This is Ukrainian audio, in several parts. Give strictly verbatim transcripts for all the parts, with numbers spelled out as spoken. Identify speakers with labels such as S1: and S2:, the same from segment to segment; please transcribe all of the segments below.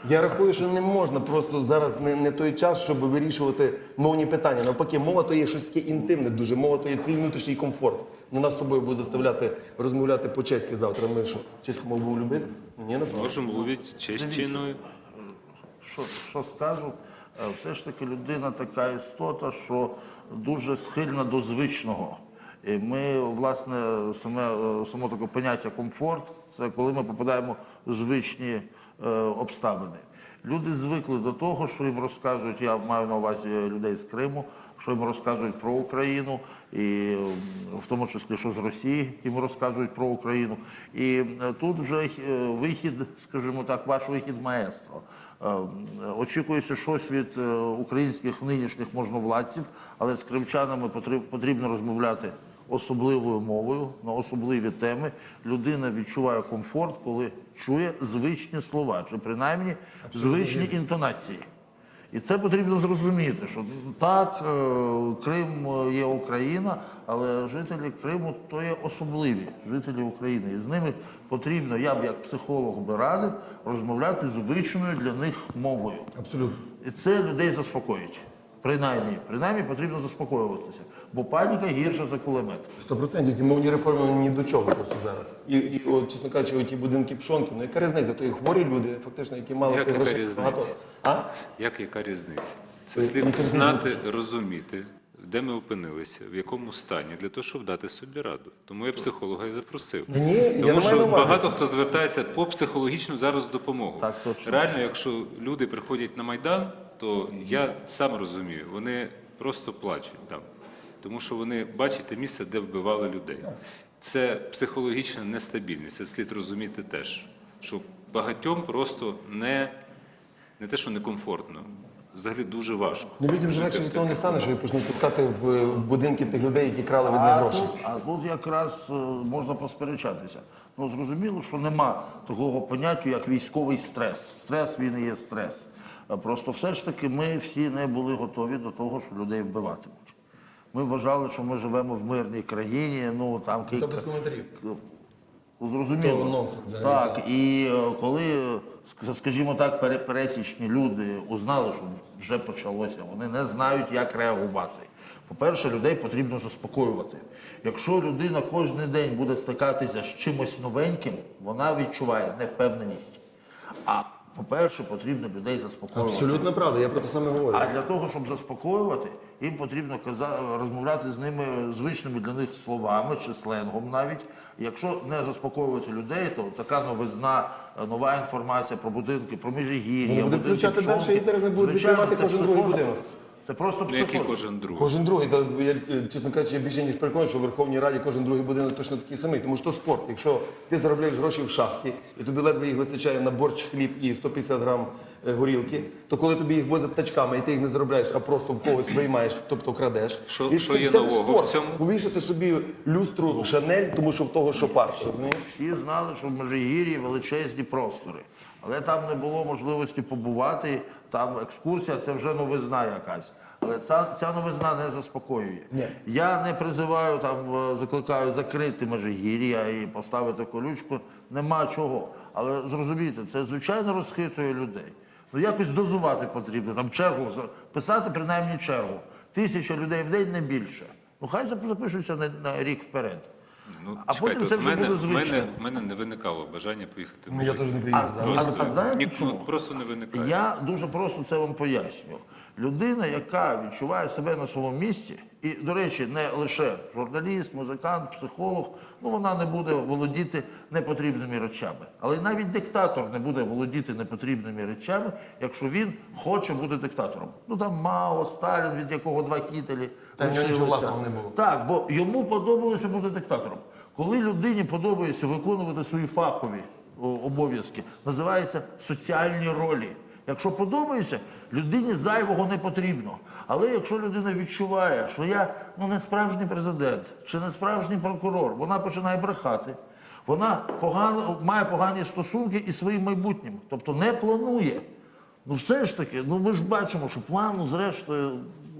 S1: Я рахую, що не можна просто зараз не, не той час, щоб вирішувати мовні питання. Навпаки, мова то є щось таке інтимне дуже, мова то є твій внутрішній комфорт. Ну, нас з тобою будуть заставляти розмовляти по-чеськи завтра. Ми що, чеську мову будемо любити? Ні, напевно.
S2: Можемо мовити чеською.
S3: Що, що скажу, е, все ж таки людина така істота, що дуже схильна до звичного. І ми, власне, саме, е, само таке поняття комфорт, це коли ми попадаємо в звичні е, обставини. Люди звикли до того, що їм розказують, я маю на увазі людей з Криму, що їм розказують про Україну, і в тому числі, що з Росії їм розказують про Україну. І е, тут вже е, вихід, скажімо так, ваш вихід маестро. Е, Очікується щось від е, українських нинішніх можновладців, але з кримчанами потріб- потрібно розмовляти особливою мовою, на особливі теми. Людина відчуває комфорт, коли чує звичні слова, чи принаймні звичні інтонації. І це потрібно зрозуміти, що так, е, Крим є Україна, але жителі Криму то є особливі жителі України. І з ними потрібно, я б як психолог би радив, розмовляти звичною для них мовою.
S1: Абсолютно.
S3: І це людей заспокоїть. Принаймні, принаймні потрібно заспокоюватися, бо паніка гірша за кулемет.
S1: Сто процентів ті мовні реформи ні до чого просто зараз. І, і от, чесно кажучи, ті будинки пшонки, ну яка різниця? То і хворі люди, фактично, які мали
S2: Як
S1: тих
S2: яка
S1: грошей
S2: різниця?
S1: багато. А?
S2: Як яка різниця? Це
S1: Ви-
S2: слід
S1: ви це
S2: знати, розуміти, де ми опинилися, в якому стані, для того, щоб дати собі раду. Тому я психолога і запросив.
S1: Ні, я не
S2: Тому
S1: маю
S2: що
S1: на увазі.
S2: багато хто звертається по психологічну зараз допомогу.
S3: Так, точно.
S2: Реально, якщо люди приходять на Майдан, то я сам розумію, вони просто плачуть там. Тому що вони бачать те місце, де вбивали людей. Це психологічна нестабільність, це слід розуміти теж. Що багатьом просто не, не те, що некомфортно, взагалі дуже важко.
S1: Ну людям же
S2: жити
S1: легше
S2: в
S1: від того не
S2: таких
S1: стане, що ви почнуть пускати в, в будинки тих людей, які крали від них
S3: А
S1: гроші.
S3: тут, а тут якраз е, можна посперечатися. Ну, зрозуміло, що нема такого поняття, як військовий стрес. Стрес, він і є стрес. А просто все ж таки ми всі не були готові до того, що людей вбиватимуть. Ми вважали, що ми живемо в мирній країні, ну там
S1: Та без коментарів.
S3: Ну, зрозуміло.
S1: То нонсенс взагалі,
S3: Так, і е, коли, ск- скажімо так, пере- пересічні люди узнали, що вже почалося, вони не знають, як реагувати. По-перше, людей потрібно заспокоювати. Якщо людина кожен день буде стикатися з чимось новеньким, вона відчуває невпевненість. А по-перше, потрібно людей заспокоювати.
S1: Абсолютно правда, я про те саме говорю.
S3: А для того, щоб заспокоювати, їм потрібно каза- розмовляти з ними звичними для них словами чи сленгом навіть. Якщо не заспокоювати людей, то така новизна, нова інформація про будинки, про Міжгір'я,
S1: Ну, буде
S3: будинки
S1: включати
S3: Пшонки,
S1: далі, і зараз не будуть
S3: звичайно,
S1: відкривати
S3: це
S1: кожен другий
S3: психоз.
S1: будинок.
S3: Це просто
S2: Ну, який
S3: психоз.
S2: кожен другий.
S1: Кожен другий, та я, е, чесно кажучи, я більше ніж переконаний, що в Верховній Раді кожен другий будинок точно такий самий, тому що то спорт. Якщо ти заробляєш гроші в шахті, і тобі ледве їх вистачає на борщ, хліб і сто п'ятдесят грам е, горілки, то коли тобі їх возять тачками, і ти їх не заробляєш, а просто в когось виймаєш, тобто крадеш.
S2: Що-
S1: і
S2: що
S1: ти-
S2: є
S1: в тебе
S2: нового
S1: спорт.
S2: в цьому?
S1: Повішати собі люстру Шанель, тому що в того, що парше, розумієш?
S3: Всі знали, що в Межигір'ї величезні простори. Але там не було можливості побувати, там екскурсія, це вже новизна якась. Але ця, ця новизна не заспокоює.
S1: Ні.
S3: Я не призиваю, там, е, закликаю закрити Межигір'я і поставити колючку, нема чого. Але зрозумійте, це звичайно розхитує людей. Ну якось дозувати потрібно, там чергу, за- писати принаймні чергу. Тисяча людей в день не більше. Ну хай запишуться на, на рік вперед.
S2: Ну,
S3: А
S2: чекайте,
S3: потім це
S2: от
S3: вже
S2: в мене,
S3: буде
S2: в мене,
S3: звично.
S2: в мене не виникало бажання поїхати в
S1: Ну я теж не
S3: А,
S1: приїду.
S3: а,
S1: да.
S3: а, а знаєте
S2: Ні, ну,
S3: чому?
S2: просто не виникає.
S3: Я дуже просто це вам поясню. Людина, яка відчуває себе на своєму місці, і, до речі, не лише журналіст, музикант, психолог, ну вона не буде володіти непотрібними речами. Але навіть диктатор не буде володіти непотрібними речами, якщо він хоче бути диктатором. Ну там Мао, Сталін, від якого два кітелі.
S1: Та в нього нічого
S3: лишилося.
S1: власного не було.
S3: Так, бо йому подобалося бути диктатором. Коли людині подобається виконувати свої фахові о, обов'язки, називається соціальні ролі. Якщо подобається, людині зайвого не потрібно. Але якщо людина відчуває, що я ну, не справжній президент чи не справжній прокурор, вона починає брехати, вона погано, має погані стосунки із своїм майбутнім, тобто не планує. Ну все ж таки, ну ми ж бачимо, що плану зрештою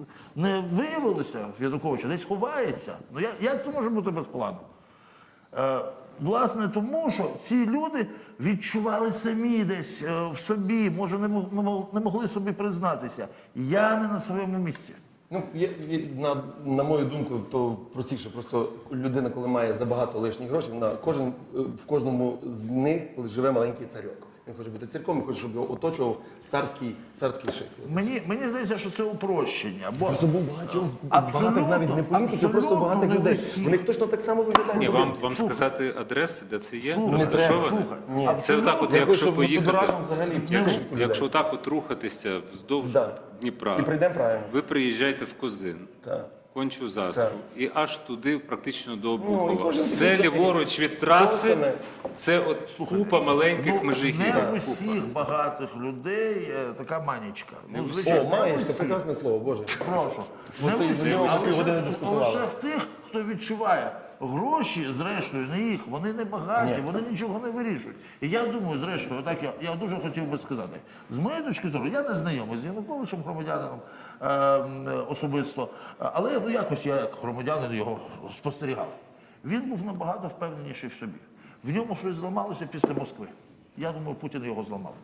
S3: не виявилося в Януковича, десь ховається. Ну як, як це може бути без плану? Е, Власне, тому що ці люди відчували самі десь е, в собі, може, не мог- не мог- не могли собі признатися. Я не на своєму місці.
S1: Ну, є, є, на, на мою думку, то простіше. Просто людина, коли має забагато лишніх грошей, на кожен, е, в кожному з них живе маленький царьок. Він хоче бути царьком, він хоче, щоб його оточував царський, царський шик.
S3: Мені, мені здається, що це упрощення. Бо
S1: Просто був багатьох,
S3: Абсолютно,
S1: багатих навіть не політиків, просто
S3: абсолютно
S1: багатих
S3: не
S1: людей.
S3: усіх.
S1: Вони точно так само виглядають.
S2: Ні,
S1: як
S2: вам,
S1: один.
S2: вам
S3: Слухай.
S2: сказати адреси, де це є?
S3: Слухай,
S1: Не треба,
S2: розташоване?
S3: слухай.
S1: Ні.
S2: Це отак, от,
S1: Я
S2: якщо
S1: хочу, щоб
S2: поїхати,
S1: будоражимо взагалі
S3: Ну,
S1: психіку людей.
S2: якщо отак от рухатися вздовж
S1: Да.
S2: Дніпра,
S1: І прийдемо правильно.
S2: ви приїжджаєте в Козин,
S1: Так.
S2: Кончу Застру, і аж туди, практично до
S1: Ну, і
S2: Обухова.
S1: кожен
S2: Все
S1: такий
S2: ліворуч від траси,
S1: Саме.
S2: це от купа маленьких
S3: ну,
S2: межигів.
S3: не в
S2: Купа.
S3: усіх багатих людей е, така манічка. Ну,
S1: О,
S3: звичайно, не в
S1: маєчка,
S3: усіх.
S1: прекрасне слово, Боже.
S3: Прошу.
S1: От
S3: Не
S1: то
S3: в
S1: із-за
S3: усіх,
S1: нього
S3: а
S1: всі
S3: лише
S1: години
S3: в-
S1: дискутували.
S3: лише в тих, хто відчуває. Гроші, зрештою, не їх, вони не багаті,
S1: Ні.
S3: вони нічого не вирішують. І я думаю, зрештою, отак я, я дуже хотів би сказати, з моєї точки зору, я не знайомий з Януковичем, громадянином е, м, особисто, але ну, якось я як громадянин його спостерігав. Він був набагато впевненіший в собі. В ньому щось зламалося після Москви. Я думаю, Путін його зламав.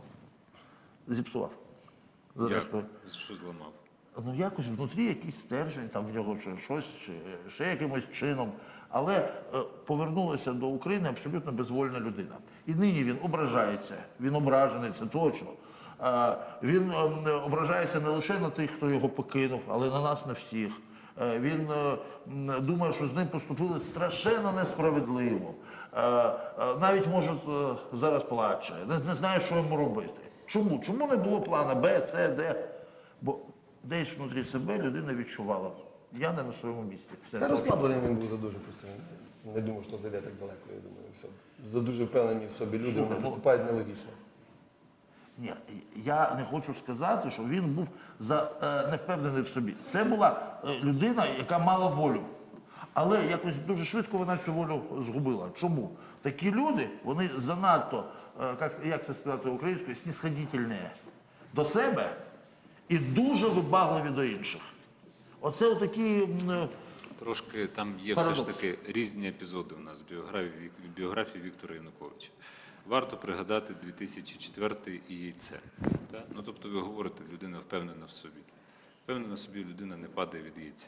S3: Зіпсував. Зрештою.
S2: Як? Що зламав?
S3: Ну, якось внутрі якийсь стержень, там в нього чи щось, чи ще якимось чином. Але е, повернулася до України абсолютно безвольна людина. І нині він ображається, він ображений, це точно. Е, він е, ображається не лише на тих, хто його покинув, але на нас, на всіх. Е, він е, м, думає, що з ним поступили страшенно несправедливо. Е, е, навіть, може, е, зараз плаче, не, не знає, що йому робити. Чому? Чому не було плана Б, С, Д? Бо десь внутрі себе людина відчувала. Я не на своєму місці. Все.
S1: Та розслаблений він був за дуже просто. Не думав, що зайде так далеко, я думаю. Все. За дуже впевнені в собі люди, вони
S3: ну-
S1: поступають нелогічно.
S3: Ні, я не хочу сказати, що він був за, е, невпевнений в собі. Це була е, людина, яка мала волю. Але якось дуже швидко вона цю волю згубила. Чому? Такі люди, вони занадто, е, як, як це сказати українською, снісходительні до себе і дуже вибагливі до інших. Оце отакі. м, е,
S2: Трошки там є
S3: Парадокс.
S2: все ж таки різні епізоди у нас в біографії, в біографії Віктора Януковича. Варто пригадати дві тисячі четвертий і яйце. Так? Ну, тобто ви говорите, людина впевнена в собі. Впевнена в собі людина не падає від яйця.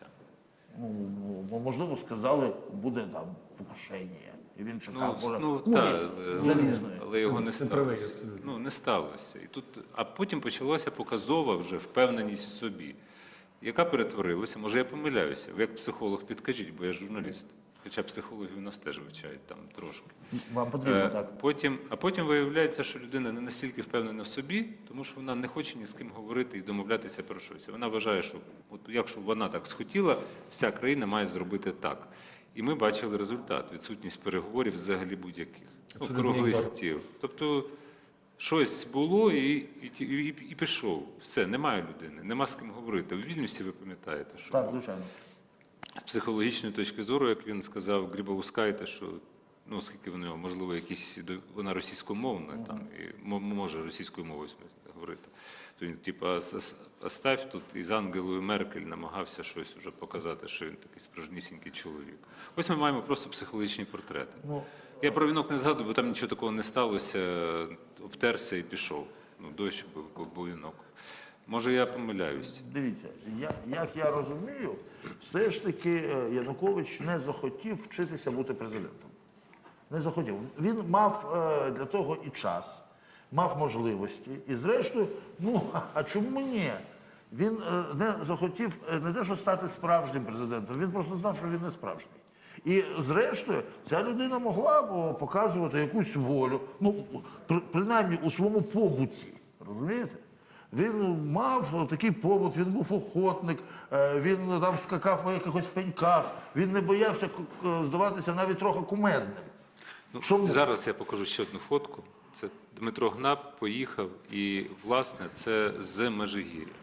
S3: Ну, можливо, сказали, буде там покушення. І він чекав,
S2: Ну,
S3: може,
S2: ну
S3: кулі
S2: та,
S3: залізної.
S2: але його не
S1: Ти правий,
S2: сталося.
S1: абсолютно.
S2: Ну, не сталося. І тут, а потім почалася показова вже впевненість в собі, яка перетворилася, може я помиляюся, ви як психолог підкажіть, бо я журналіст. Хоча психологію у нас теж вивчають там трошки.
S3: Вам потрібно
S2: Е,
S3: так.
S2: Потім, а потім виявляється, що людина не настільки впевнена в собі, тому що вона не хоче ні з ким говорити і домовлятися про щось. Вона вважає, що от якщо вона так схотіла, вся країна має зробити так. І ми бачили результат відсутність переговорів взагалі будь-яких. Ну,
S1: Абсолютно
S2: круглий
S1: ігнор.
S2: стіл. Тобто щось було і, і, і, і пішов. Все, немає людини, нема з ким говорити. В Вільнюсі ви пам'ятаєте, що
S3: Так, звичайно.
S2: з психологічної точки зору, як він сказав, Грибоускайте, що ну, оскільки в нього, можливо, якісь до- вона російськомовна, там і мо- може російською мовою в смислі говорити. То він, типу, «Ас- ас- оставь тут із Ангелою Меркель намагався щось вже показати, що він такий справжнісінький чоловік. Ось ми маємо просто психологічні портрети.
S3: Ну,
S2: Я про вінок не згадую, бо там нічого такого не сталося, обтерся і пішов. Ну, дощ був, був вінок. Може, я помиляюсь.
S3: Дивіться, я, як я розумію, все ж таки е, Янукович не захотів вчитися бути президентом. Не захотів. Він мав е, для того і час, мав можливості. І зрештою, ну, а- а чому ні? Він е, не захотів е, не те, що стати справжнім президентом, він просто знав, що він не справжній. І зрештою, ця людина могла б о, показувати якусь волю, ну, при- принаймні у своєму побуті. Розумієте? Він мав такий побут, він був охотник, е, він там скакав по якихось пеньках, він не боявся к- е, здаватися навіть трохи кумедним.
S2: Ну,
S3: Чому?
S2: зараз я покажу ще одну фотку. Це Дмитро Гнап поїхав, і, власне, це з Межигір'я.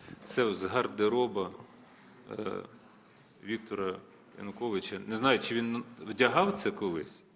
S2: Це з гардероба е, Віктора Януковича. Не знаю, чи він вдягав це колись.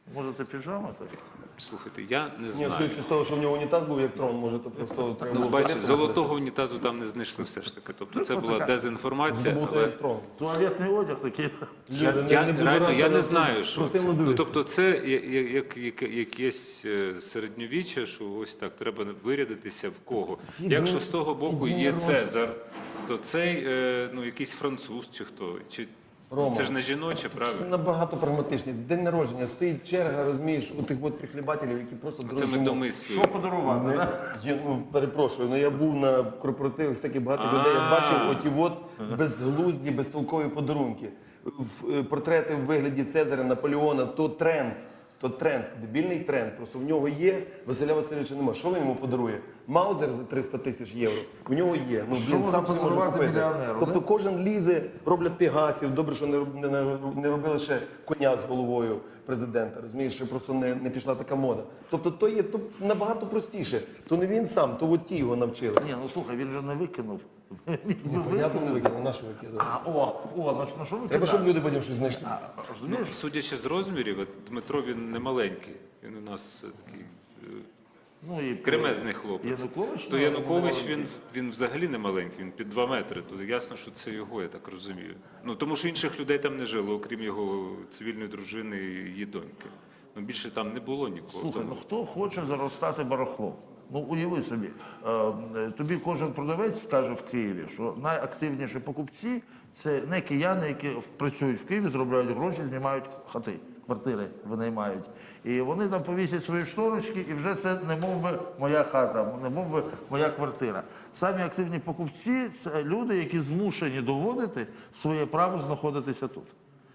S3: Може це піжама? Так?
S2: Слухайте, я не
S1: Ні,
S2: знаю.
S1: судячи з того, що в нього унітаз був як трон, може, то просто треба
S2: Ну,
S1: було
S2: бачите,
S1: туалет
S2: золотого унітазу там не знайшли все ж таки. Тобто це була дезінформація.
S1: Це був
S2: але...
S1: як трон.
S3: Туалетний одяг такий.
S2: Я,
S1: Люди,
S2: я,
S1: не буду
S2: реально,
S1: раз
S2: я
S1: на
S2: не
S1: це
S2: знаю, що це.
S1: противно
S2: Ну,
S1: дивитися.
S2: тобто це я- я- як, як, якесь е, середньовіччя, що ось так, треба вирядитися в кого.
S1: Ті
S2: Якщо
S1: дні-
S2: з того боку
S1: ті дні
S2: є
S1: народження.
S2: Цезар, то цей е, ну, якийсь француз чи хто. Чи...
S1: Рома.
S2: Це ж не жіноче, правильно?
S1: Набагато прагматичні. День народження, стоїть черга, розумієш, у тих от прихлібателів, які просто
S2: Це ми
S1: дорожимо.
S2: домислюємо.
S3: Що подарувати?
S1: Не,
S3: да?
S1: я, ну, перепрошую, ну я був на корпоративах, всяких багато людей, я бачив оті от безглузді, безтолкові подарунки. В, е, портрети в вигляді Цезаря, Наполеона, то тренд. То тренд, дебільний тренд. Просто в нього є, Василя Васильовича нема. Що він йому подарує? Маузер за триста тисяч євро. У нього є. Ну,
S3: Що
S1: він
S3: можна
S1: сам собі може
S3: подарувати
S1: купити.
S3: мільйонеру,
S1: Тобто
S3: да?
S1: кожен лізе, роблять пегасів. Добре, що не, роб- не, не- не робили ще коня з головою президента. Розумієш, що просто не, не пішла така мода. Тобто то є то набагато простіше. То не він сам, то от ті його навчили.
S3: Ні, ну слухай, він же не викинув.
S1: Ну, понятно, не викинули, на що викинули.
S3: А, о, о, на, що- на що викидав?
S1: Треба, щоб люди потім щось знайшли.
S3: А, розумієш?
S2: Ну, судячи з розмірів, от Дмитро він не маленький. Він у нас е, такий е,
S3: Ну, і
S2: кремезний хлопець.
S3: Янукович,
S2: То
S3: ну,
S2: Янукович
S3: маленький.
S2: він, він взагалі не маленький, він під два метри. То ясно, що це його, я так розумію. Ну тому що інших людей там не жило, окрім його цивільної дружини і її доньки. Ну більше там не було нікого.
S3: Слухай,
S2: Тому-
S3: ну хто хоче заростати барахлом? Ну уяви собі, е, е, тобі кожен продавець скаже в Києві, що найактивніші покупці це не кияни, які працюють в Києві, заробляють гроші, знімають хати, квартири винаймають. І вони там повісять свої шторочки, і вже це не мов би моя хата, не мов би моя квартира. Самі активні покупці це люди, які змушені доводити своє право знаходитися тут.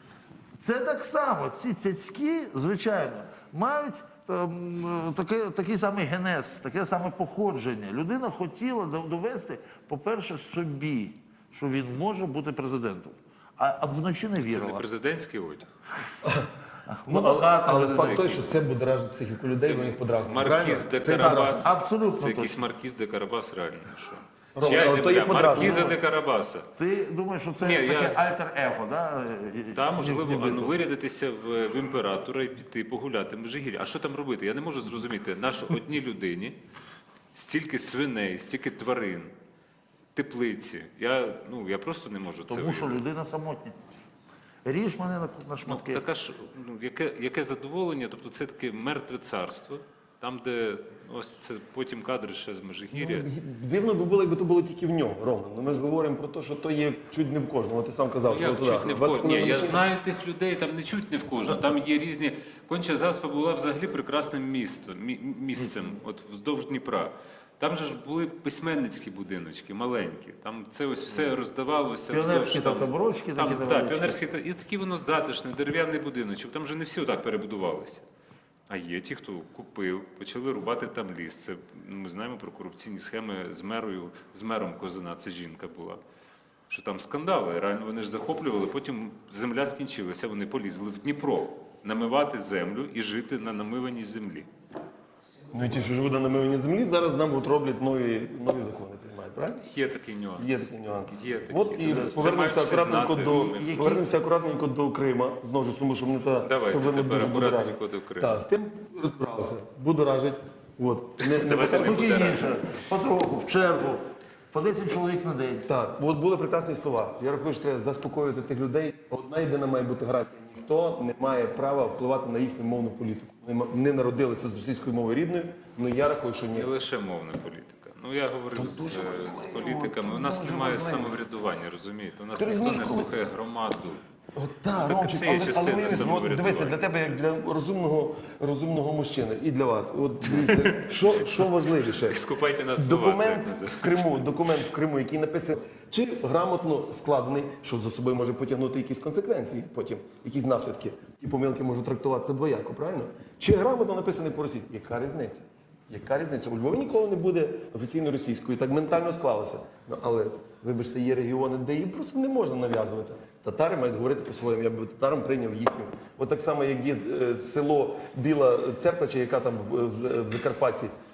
S3: Це так само. Ці цяцькі, звичайно, мають ем, таке, такий самий генез, таке саме походження. Людина хотіла дов- довести, по-перше, собі, що він може бути президентом. А, а вночі не
S2: Це не
S3: вірила.
S2: президентський одяг.
S1: Ну, але,
S3: багато
S1: але
S3: людей.
S1: факт той, що це будоражить психіку людей, вони їх подразнюють.
S2: Маркіз де
S1: Це
S2: Карабас.
S3: абсолютно
S2: Це якийсь
S3: точно.
S2: Маркіз де Карабас, реально. ну Що?
S1: Рома,
S2: Чия
S1: але то є
S2: земля?
S1: подразнення.
S2: Маркіза де Карабаса.
S3: Ти думаєш, що це
S2: Ні,
S3: таке
S2: я-
S3: альтер-его, да?
S2: Та,
S3: Ні-
S2: можливо,
S3: ніби
S2: ну,
S3: то.
S2: вирядитися в, в імператора і піти погуляти в Межигір'я. А що там робити? Я не можу зрозуміти. Наш одній людині стільки свиней, стільки тварин, теплиці. Я, ну, я просто не можу це
S3: Тому що
S2: уявити.
S3: людина самотня. Ріж мене на, на
S2: Ну,
S3: шматки.
S2: така ж, ну, яке, яке задоволення, тобто це таке мертве царство, там, де ось це потім кадри ще з Межигір'я.
S1: Дивно би було, якби то було тільки в нього, Рома. Ну ми ж говоримо про те, що то є чуть не в кожному. Ти сам казав, що
S2: Як
S1: туди.
S2: чуть не в
S1: двадцять
S2: кожному? Ні,
S1: хвилин
S2: я
S1: машини.
S2: знаю тих людей, там не чуть не в кожному. Там є різні. Конча Заспа була взагалі прекрасним містом, мі- місцем, от вздовж Дніпра. Там же ж були письменницькі будиночки, маленькі. Там це ось все роздавалося.
S3: Піонерські
S2: вздовж
S3: там таборочки
S2: там,
S3: такі
S2: так,
S3: невеличкі.
S2: піонерські та- і такі воно затишне, дерев'яний будиночок. Там же не всі отак перебудувалися. А є ті, хто купив, почали рубати там ліс. Це ну, ми знаємо про корупційні схеми з мерою, з мером Козина. Це жінка була. Що там скандали, реально вони ж захоплювали, потім земля скінчилася, вони полізли в Дніпро намивати землю і жити на намиваній землі.
S1: Ну і ті, що живуть на намиванні землі, зараз нам от роблять нові, нові закони, приймають, правильно?
S2: Є такий нюанс.
S1: Є такі нюанси.
S2: Є такі.
S1: От і
S2: Це
S1: повернемося
S2: мають всі
S1: акуратненько
S2: знати.
S1: до
S2: Які-
S1: повернемося акуратненько до Крима. Знову ж тому, що мене та
S2: Давайте
S1: проблема
S2: тепер
S1: дуже
S2: акуратненько
S1: будоражить.
S2: до Криму.
S1: Так, з тим розбиралися. Будоражить. От. Не, не
S2: Давайте
S1: покажу.
S2: не будемо.
S3: Спокійніше, потроху, в чергу, по десять чоловік на день.
S1: Так, от були прекрасні слова. Я рахую, що треба заспокоювати тих людей. Одна єдина має бути гарантія. Ніхто не має права впливати на їхню мовну політику. Вони ма- не народилися з російською мовою рідною, але я рахую, що ні.
S2: Не лише мовна політика. Ну я говорив з, з політиками. У нас немає самоврядування, розумієте? У нас
S1: Ти
S2: ніхто не
S1: розумієш, коли-
S2: слухає громаду.
S1: От, так,
S2: так
S1: Ромчик,
S2: це є
S1: але, але
S2: частина
S1: виявись, от,
S2: самоврядування.
S1: дивися, для тебе, як для розумного, розумного мужчини, і для вас. От дивіться, що, що важливіше?
S2: Скупайте нас слова, це як
S1: Документ
S2: називається.
S1: в Криму, документ в Криму, який написаний, чи грамотно складений, що за собою може потягнути якісь конsekвенції потім, якісь наслідки. Ті помилки можуть трактуватися двояко, правильно? Чи грамотно написаний по-російськи? Яка різниця? Яка різниця? У Львові ніколи не буде офіційно російською, так ментально склалося. Ну, але, вибачте, є регіони, де її просто не можна нав'язувати. Татари мають говорити по-своєму, я б татарам прийняв їхню. От так само, як є е, село Біла Церква, чи яка там в, в, в Закарпатті,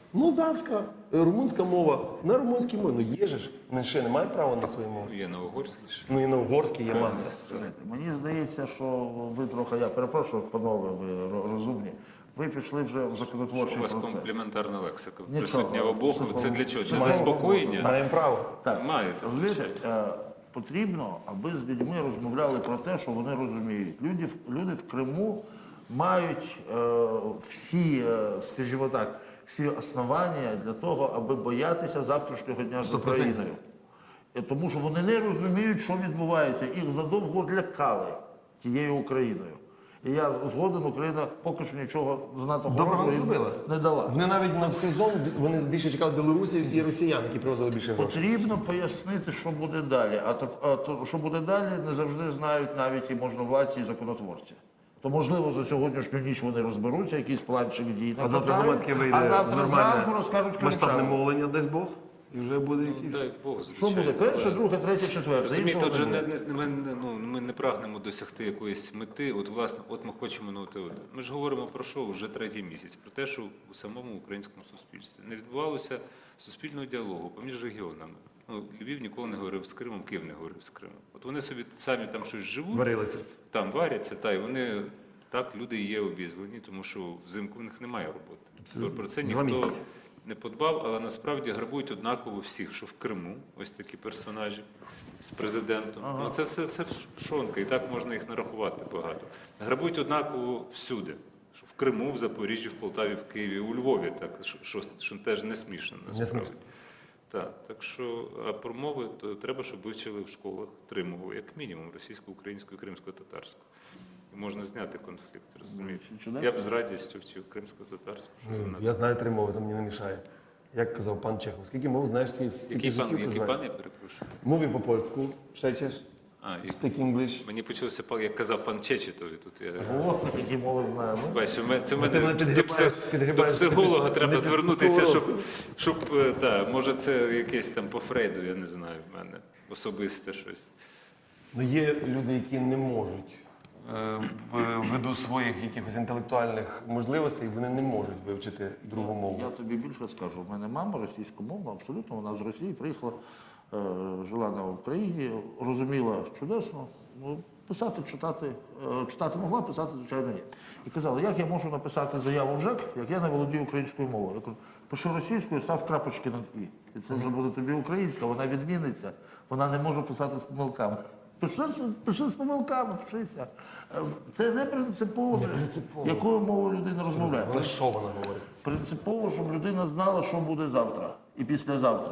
S1: Молдавська, е, румунська мова. На румунській мові. Ну є же ж. Вони ще не мають права на свою мову.
S2: Ну, є на угорській ще.
S1: Ну і на угорській є маса.
S3: Знаєте, мені здається, що ви трохи, я перепрошую, панове, ви ро- розумні, ви пішли вже в
S2: У
S3: законотворчий
S2: вас
S3: процес.
S2: комплементарна лексика
S3: Нічого.
S2: присутня обох.
S3: Психолог-
S2: Це для чого? Для
S3: психолог-
S2: заспокоєння?
S1: Маємо право.
S3: Так,
S2: Маєте,
S3: розумієте, е, потрібно, аби з людьми розмовляли про те, що вони розуміють. Люди, в- люди в Криму мають е, всі, е, скажімо так, всі основання для того, аби боятися завтрашнього дня з
S1: Сто процентів.
S3: Україною. Е, Тому що вони не розуміють, що відбувається. Їх задовго лякали тією Україною. І я згоден, Україна поки що нічого знато
S1: Доброго не
S3: хорошого
S1: зробила.
S3: не дала.
S1: Вони навіть на сезон вони більше чекали білорусів і росіян, які привозили більше грошей.
S3: Потрібно пояснити, що буде далі. А, так, а то, що буде далі, не завжди знають навіть і можновладці, і законотворці. То, можливо, за сьогоднішню ніч вони розберуться, якийсь планчик дій
S1: А завтра
S3: накатають,
S1: громадське вийде
S3: а завтра зранку
S1: нормальне
S3: розкажуть
S1: масштабне
S3: кримчанам.
S1: мовлення, дасть Бог, і вже буде якийсь...
S2: Дай Бог,
S3: Що
S2: звичайно.
S3: буде? Перше, друге, третє, четверте.
S2: Розумієте,
S3: Іншого
S2: отже,
S3: не
S2: не,
S3: буде.
S2: не, ми, не- ну, ми не прагнемо досягти якоїсь мети. От, власне, от ми хочемо на ОТО. Ми ж говоримо про що вже третій місяць, про те, що у самому українському суспільстві не відбувалося суспільного діалогу поміж регіонами. Ну, Львів ніколи не говорив з Кримом, Київ не говорив з Кримом. От вони собі самі там щось живуть,
S1: Варилися.
S2: там варяться, та й вони так, люди є обізлені, тому що взимку в них немає роботи. Про це
S1: Два
S2: ніхто
S1: місяці.
S2: не подбав, але насправді грабують однаково всіх, що в Криму, ось такі персонажі з президентом. Ну це все це пшонка, і так можна їх нарахувати багато. Грабують однаково всюди. Що в Криму, в Запоріжжі, в Полтаві, в Києві, у Львові, так що, що, що теж не смішно насправді.
S1: смішно.
S2: Так, так що а про мови то треба, щоб вивчили в школах три мови, як мінімум російську, українську і кримсько-татарську. І можна зняти конфлікт, розумієте?
S3: Чудесно.
S2: Я б з радістю вчив кримсько-татарську. щоб
S1: Ну,
S2: вона-
S1: я знаю три мови, то мені не мішає. Як казав пан Чехов, скільки мов знаєш, стільки
S2: Який
S1: життів
S2: пан, який
S1: проживаєш?
S2: пан, я перепрошую?
S1: Мові по-польську, шечеш,
S2: А, і
S1: speak English.
S2: мені почулося, пан- як казав пан Чечетові, тут я
S3: О, які мови знаємо.
S2: бачу, ми- це
S1: ти
S2: мене
S1: мене
S2: до,
S1: підгрібаєш,
S2: псих-
S1: підгрібаєш,
S2: до психолога
S1: ти
S2: треба
S1: під- не
S2: звернутися, щоб,
S1: психолог.
S2: щоб е, та, може це якесь там по Фрейду, я не знаю, в мене особисте щось.
S1: Ну, є люди, які не можуть е, в- ввиду своїх якихось інтелектуальних можливостей, вони не можуть вивчити другу мову.
S3: Я тобі більше скажу. У мене мама російськомовна, абсолютно, вона з Росії приїхала, е, жила на Україні, розуміла чудесно. Ну, писати, читати, е, читати могла, писати, звичайно, ні. І казала, як я можу написати заяву в ЖЕК, як я не володію українською мовою. Я кажу, пиши російською, став крапочки над «і». І це вже буде тобі українська, вона відміниться, вона не може писати з помилками. Пиши, з- пиши з помилками, вчися. Е, Це не принципово,
S1: принципово.
S3: якою мовою людина розмовляє.
S1: Вона що вона говорить?
S3: Принципово, щоб людина знала, що буде завтра і післязавтра.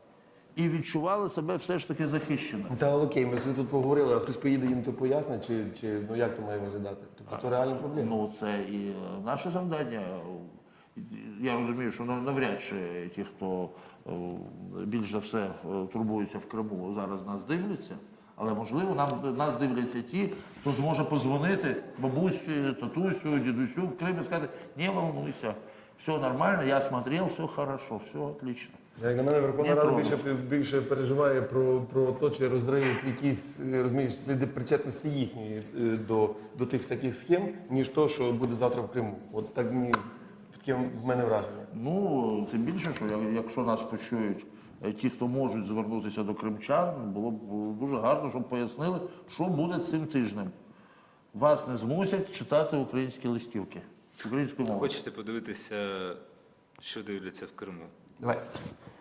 S3: І відчувала себе все ж таки захищеною.
S1: Та окей, ми собі тут поговорили, а хтось поїде їм то пояснить, чи, чи ну як то має виглядати? Тобто це реальна проблема.
S3: Ну, це і е, наше завдання. Я розумію, що нав- навряд чи ті, хто е, більш за все е, турбується в Криму, зараз нас дивляться. Але можливо, нам нас дивляться ті, хто зможе позвонити бабусі, татусю, дідусю в Крим і сказати, не волнуйся, все нормально, я смотрел, все хорошо, все отлично.
S1: Як на мене, Верховна
S3: Не
S1: Рада
S3: трогай.
S1: більше, більше переживає про, про те, чи розриють якісь е, розумієш, сліди причетності їхньої е, до, до тих всяких схем, ніж то, що буде завтра в Криму. От так мені таке в мене враження.
S3: Ну, тим більше, що я- якщо нас почують е, ті, хто можуть звернутися до кримчан, було б дуже гарно, щоб пояснили, що буде цим тижнем. Вас не змусять читати українські листівки українською мовою.
S2: Хочете подивитися, що дивляться в Криму?
S1: Давай.